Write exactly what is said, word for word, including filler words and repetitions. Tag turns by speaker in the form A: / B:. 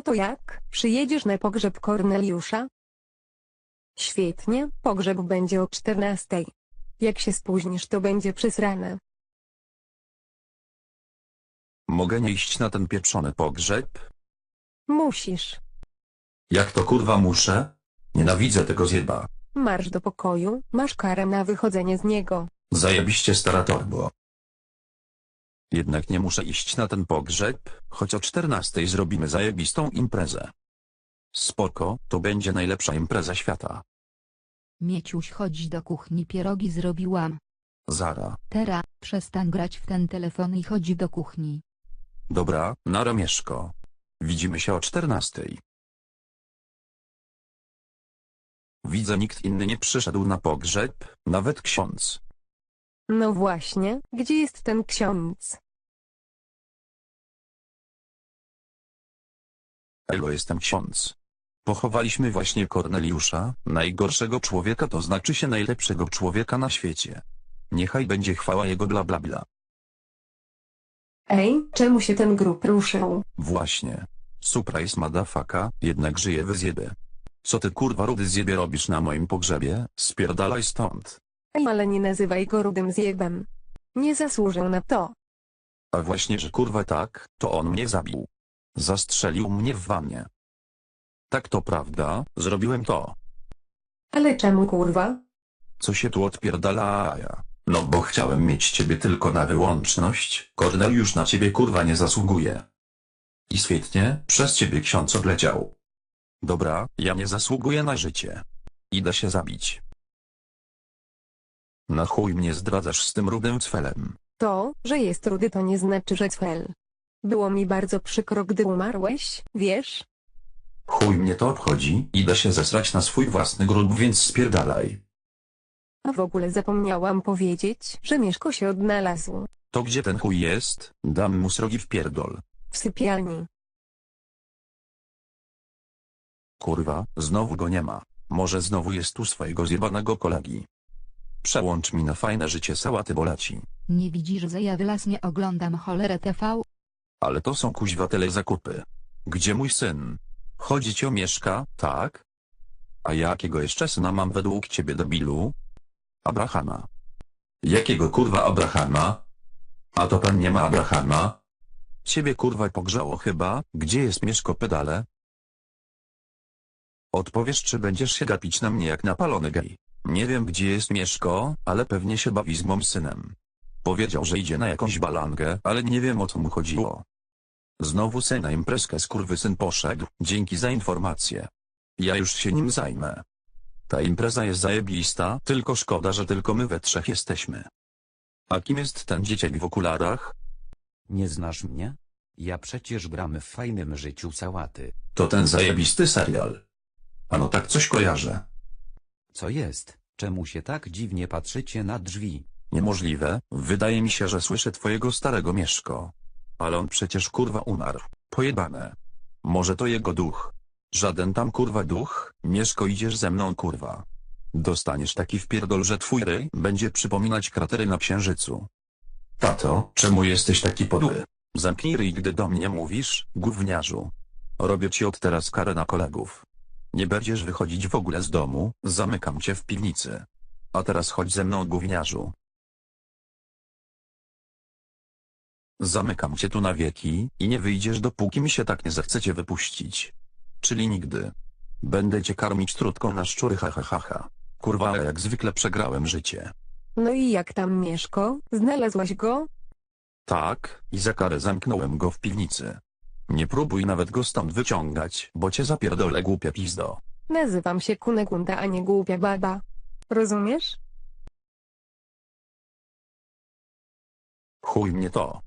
A: to jak, przyjedziesz na pogrzeb Korneliusza? Świetnie, pogrzeb będzie o czternastej. Jak się spóźnisz, to będzie przesrane.
B: Mogę nie iść na ten pieprzony pogrzeb?
A: Musisz.
B: Jak to kurwa muszę? Nienawidzę tego zjeba.
A: Marsz do pokoju, masz karę na wychodzenie z niego.
B: Zajebiście stara torbo. Jednak nie muszę iść na ten pogrzeb, choć o czternastej zrobimy zajebistą imprezę. Spoko, to będzie najlepsza impreza świata.
C: Mieciuś, chodź do kuchni, pierogi zrobiłam.
B: Zara.
C: Teraz, przestań grać w ten telefon i chodź do kuchni.
B: Dobra, nara Mieszko. Widzimy się o czternastej. Widzę, nikt inny nie przyszedł na pogrzeb, nawet ksiądz.
A: No właśnie, gdzie jest ten ksiądz?
B: Elo, jestem ksiądz. Pochowaliśmy właśnie Korneliusza, najgorszego człowieka, to znaczy się najlepszego człowieka na świecie. Niechaj będzie chwała jego bla bla bla.
A: Ej, czemu się ten grób ruszył?
B: Właśnie. Surprise madafaka, jednak żyje w zjebie. Co ty kurwa rudy zjebie robisz na moim pogrzebie? Spierdalaj stąd.
A: Ej, ale nie nazywaj go rudym zjebem. Nie zasłużył na to.
B: A właśnie, że kurwa tak, to on mnie zabił. Zastrzelił mnie w wannie. Tak, to prawda, zrobiłem to.
A: Ale czemu kurwa?
B: Co się tu odpierdala, ja? No bo chciałem mieć ciebie tylko na wyłączność, Korneliusz na ciebie kurwa nie zasługuje. I świetnie, przez ciebie ksiądz odleciał. Dobra, ja nie zasługuję na życie. Idę się zabić. Na chuj mnie zdradzasz z tym rudym cfelem.
A: To, że jest rudy, to nie znaczy, że cfel. Było mi bardzo przykro, gdy umarłeś, wiesz?
B: Chuj mnie to obchodzi, idę się zesrać na swój własny grób, więc spierdalaj.
A: A w ogóle zapomniałam powiedzieć, że Mieszko się odnalazł.
B: To gdzie ten chuj jest? Dam mu srogi w pierdol.
A: W sypialni.
B: Kurwa, znowu go nie ma. Może znowu jest u swojego zjebanego kolegi. Przełącz mi na fajne życie sałaty bolaci.
C: Nie widzisz, że ja wylasnie oglądam cholerę T V?
B: Ale to są kuźwa tyle zakupy. Gdzie mój syn? Chodzi ci o Mieszka, tak? A jakiego jeszcze syna mam według ciebie, debilu? Abrahama. Jakiego kurwa Abrahama? A to pan nie ma Abrahama? Ciebie kurwa pogrzało chyba, gdzie jest Mieszko, pedale? Odpowiesz, czy będziesz się gapić na mnie jak napalony gej. Nie wiem, gdzie jest Mieszko, ale pewnie się bawi z mym synem. Powiedział, że idzie na jakąś balangę, ale nie wiem, o co mu chodziło. Znowu se na imprezkę skurwysyn poszedł, dzięki za informację. Ja już się nim zajmę. Ta impreza jest zajebista, tylko szkoda, że tylko my we trzech jesteśmy. A kim jest ten dzieciak w okularach?
D: Nie znasz mnie? Ja przecież gram w fajnym życiu sałaty.
B: To ten zajebisty serial. Ano tak coś kojarzę.
D: Co jest? Czemu się tak dziwnie patrzycie na drzwi?
B: Niemożliwe, wydaje mi się, że słyszę twojego starego Mieszko. Ale on przecież kurwa umarł. Pojebane. Może to jego duch. Żaden tam kurwa duch, Mieszko, idziesz ze mną kurwa. Dostaniesz taki wpierdol, że twój ryj będzie przypominać kratery na księżycu. Tato, czemu jesteś taki podły? Zamknij ryj, gdy do mnie mówisz, gówniarzu. Robię ci od teraz karę na kolegów. Nie będziesz wychodzić w ogóle z domu, zamykam cię w piwnicy. A teraz chodź ze mną, gówniarzu. Zamykam cię tu na wieki i nie wyjdziesz, dopóki mi się tak nie zechcecie wypuścić. Czyli nigdy. Będę cię karmić trutką na szczury, ha ha ha ha. Kurwa, ale jak zwykle przegrałem życie.
A: No i jak tam Mieszko? Znalazłaś go?
B: Tak, i za karę zamknąłem go w piwnicy. Nie próbuj nawet go stąd wyciągać, bo cię zapierdolę, głupia pizdo.
A: Nazywam się Kunegunda, a nie głupia baba. Rozumiesz?
B: Chuj mnie to.